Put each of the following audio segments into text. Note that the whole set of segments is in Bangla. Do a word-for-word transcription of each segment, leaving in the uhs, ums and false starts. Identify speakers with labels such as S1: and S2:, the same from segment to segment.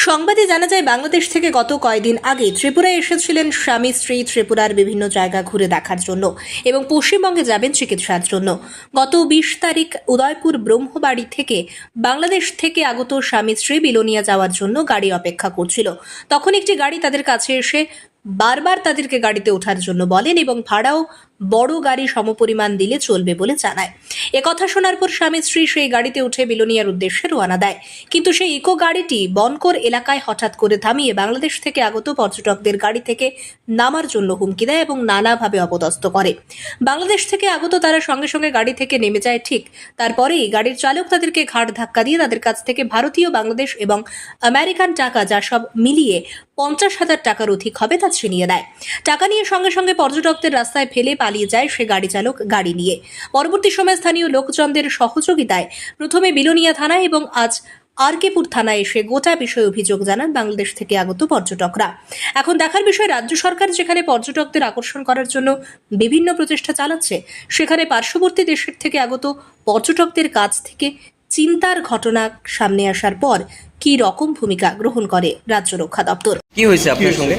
S1: সংবাদে জানা যায়, বাংলাদেশ থেকে গত কয়েকদিন আগে ত্রিপুরায় এসেছিলেন স্বামী স্ত্রী ত্রিপুরার বিভিন্ন জায়গা ঘুরে দেখার জন্য এবং পশ্চিমবঙ্গে যাবেন চিকিৎসার জন্য। গত বিশ তারিখ উদয়পুর ব্রহ্মবাড়ি থেকে বাংলাদেশ থেকে আগত স্বামী স্ত্রী বিলোনিয়া যাওয়ার জন্য গাড়ি অপেক্ষা করছিল। তখন একটি গাড়ি তাদের কাছে এসে বারবার তাদেরকে গাড়িতে ওঠার জন্য বলেন এবং ভাড়াও বড় গাড়ি সমপরিমাণ দিলে চলবে বলে জানায়। একথা শোনার পর স্বামী স্ত্রী সেই গাড়িতে উঠে বিলোনিয়ার উদ্দেশ্যে রওনা দেয়। কিন্তু সেই ইকো গাড়িটি বনকর এলাকায় হঠাৎ করে থামিয়ে বাংলাদেশ থেকে আগত পর্যটকদের গাড়ি থেকে নামার জন্য হুমকি দেয় এবং নানাভাবে অপদস্থ করে। বাংলাদেশ থেকে আগত তারা সঙ্গে সঙ্গে গাড়ি থেকে নেমে যায়। ঠিক তারপরেই গাড়ির চালক তাদেরকে ঘাট ধাক্কা দিয়ে তাদের কাছ থেকে ভারতীয়, বাংলাদেশ এবং আমেরিকান টাকা, যা সব মিলিয়ে পঞ্চাশ হাজার টাকার অধিক হবে, তা ছিনিয়ে দেয়। টাকা নিয়ে সঙ্গে সঙ্গে পর্যটকদের রাস্তায় ফেলে পালিয়ে যায় সে গাড়ি চালক গাড়ি নিয়ে। পরবর্তী সময় স্থানীয় লোকজনদের সহযোগিতায় প্রথমে বিলোনিয়া থানায় এবং আজ আরকেপুর থানায় এসে গোটা বিষয়ে অভিযোগ জানান বাংলাদেশ থেকে আগত পর্যটকরা। এখন দেখার বিষয়, রাজ্য সরকার যেখানে পর্যটকদের আকর্ষণ করার জন্য বিভিন্ন প্রচেষ্টা চালাচ্ছে, সেখানে পার্শ্ববর্তী দেশের থেকে আগত পর্যটকদের কাছ থেকে চিন্তার ঘটনা সামনে আসার পর কি রকম ভূমিকা গ্রহণ করে রাজ্য রক্ষা দপ্তর।
S2: কি হয়েছে আপনার সঙ্গে?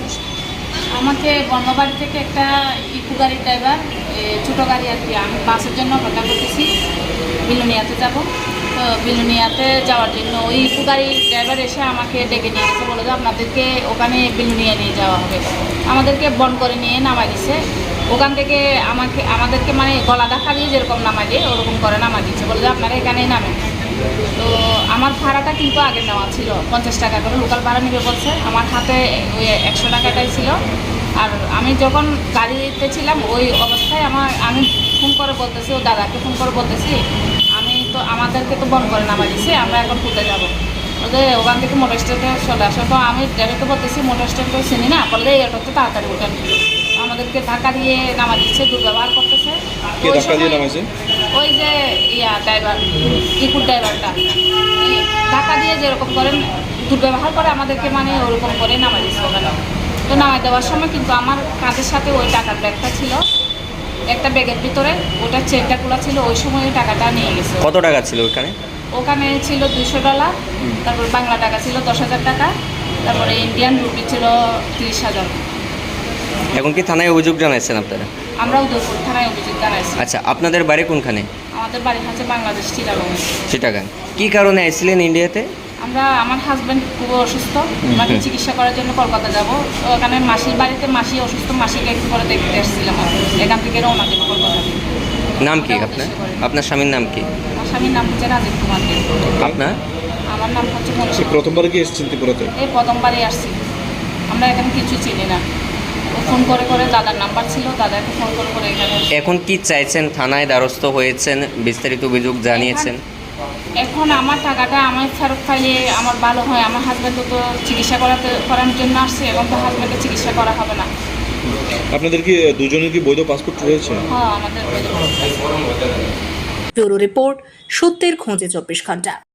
S3: আমাকে বর্ণবাড়ি থেকে একটা ইকো গাড়ির ড্রাইভার, ছোটো গাড়ি আর কি, আমি বাসের জন্য অপেক্ষা করতেছি, বিলোনিয়াতে যাব। তো বিলোনিয়াতে যাওয়ার জন্য ওই ইকো গাড়ির ড্রাইভার এসে আমাকে ডেকে নিয়ে গেছে, বলে যে আপনাদেরকে ওখানে বিলোনিয়া নিয়ে যাওয়া হবে। আমাদেরকে বন করে নিয়ে নামাই দিচ্ছে। ওখান থেকে আমাকে আমাদেরকে মানে গলা দেখা দিয়ে যেরকম নামাই দিয়ে ওরকম করে নামাই দিচ্ছে, বলে যে আপনারা এখানেই নামেন। তো আমার ভাড়াটা কিন্তু আগে নেওয়া ছিল পঞ্চাশ টাকা করে, লোকাল ভাড়া নিবে বলছে। আমার হাতে ওই একশো টাকাটাই ছিল। আর আমি যখন গাড়িতে ছিলাম ওই অবস্থায় আমার আমি ফোন করে বলতেছি, ও দাদাকে ফোন করে বলতেছি, আমি তো আমাদেরকে তো বন্ধ করে নামাই দিছি, আমরা এখন কোথায় যাবো? বলতে ওখান থেকে মোটর স্ট্যান্ডে চলে আসো। তো আমি ড্রাইভারকে বলতেছি মোটর স্ট্যান্ড তো চিনি না, বললে এটা তো তাড়াতাড়ি ওঠেন। আমাদেরকে ধাক্কা দিয়ে নামা দিচ্ছে, দুর্ব্যবহার করতেছে। ওই যে ইয়া ড্রাইভার, ইকুর ড্রাইভারটা ধাক্কা দিয়ে যেরকম করেন দুর্ব্যবহার করে আমাদেরকে, মানে ওরকম করে নামা দিচ্ছে ওখানে। তো নামাই দেওয়ার সময় কিন্তু আমার কাঁধের সাথে ওই টাকার ব্যাগটা ছিল, একটা ব্যাগের ভিতরে ওটা চেনটা খোলা ছিল। ওই সময় ওই টাকাটা নিয়ে গেছে।
S2: কত টাকা ছিল ওখানে?
S3: ওখানে ছিল দুইশো ডলার, তারপর বাংলা টাকা ছিল দশ হাজার টাকা, তারপরে ইন্ডিয়ান রুপি ছিল তিরিশ হাজার।
S2: এখন কি থানায় অভিযোগ জানাইছেন আপনারা?
S3: আমরা উদয়পুর থানায় অভিযোগ জানাইছি।
S2: আচ্ছা, আপনাদের বাড়ি কোনখানে?
S3: আমাদের বাড়ি হচ্ছে বাংলাদেশ, চিটাগাং।
S2: চিটাগাং। কি কারণে আসছিলেন ইন্ডিয়াতে?
S3: আমরা আমার হাজব্যান্ড খুব অসুস্থ, মানে চিকিৎসা করার জন্য কলকাতা যাব। তো ওখানে মাসির বাড়িতে মাসি অসুস্থ, মাসিকে একটু করে দেখতে এসেছিলাম। এখান থেকে রওনা দেবো কলকাতা।
S2: নাম কি আপনার? আপনার স্বামীর নাম কি?
S3: আমার স্বামীর নাম হচ্ছে রাজীব কুমার।
S2: আপনার? আমার
S3: নাম হচ্ছে মনীষা।
S4: প্রথমবার কি এসেছেন ত্রিপুরাতে? এই
S3: প্রথমবারই আসছি। আমরা এখানে কিছু চিনি না। ফোন করে করে দাদার নাম্বার ছিল, দাদাকে ফোন করে করে এখানে।
S2: এখন কি চাইছেন? থানায় দ্বারস্থ হয়েছেন, বিস্তারিত অভিযোগ জানিয়েছেন।
S3: এখন আমার টাকাটা আমার ফেরত পাইলে আমার ভালো হয়। আমার হাজব্যান্ড তো চিকিৎসা করাতে করার জন্য আসছে, এবং তো হাজব্যান্ডের চিকিৎসা করা হবে না।
S4: আপনাদের কি দুজনের কি বৈধ পাসপোর্ট রয়েছে?
S3: হ্যাঁ, আমাদের বৈধ পাসপোর্ট।
S1: ব্যুরো রিপোর্ট, সত্যের খোঁজে চব্বিশ ঘন্টা।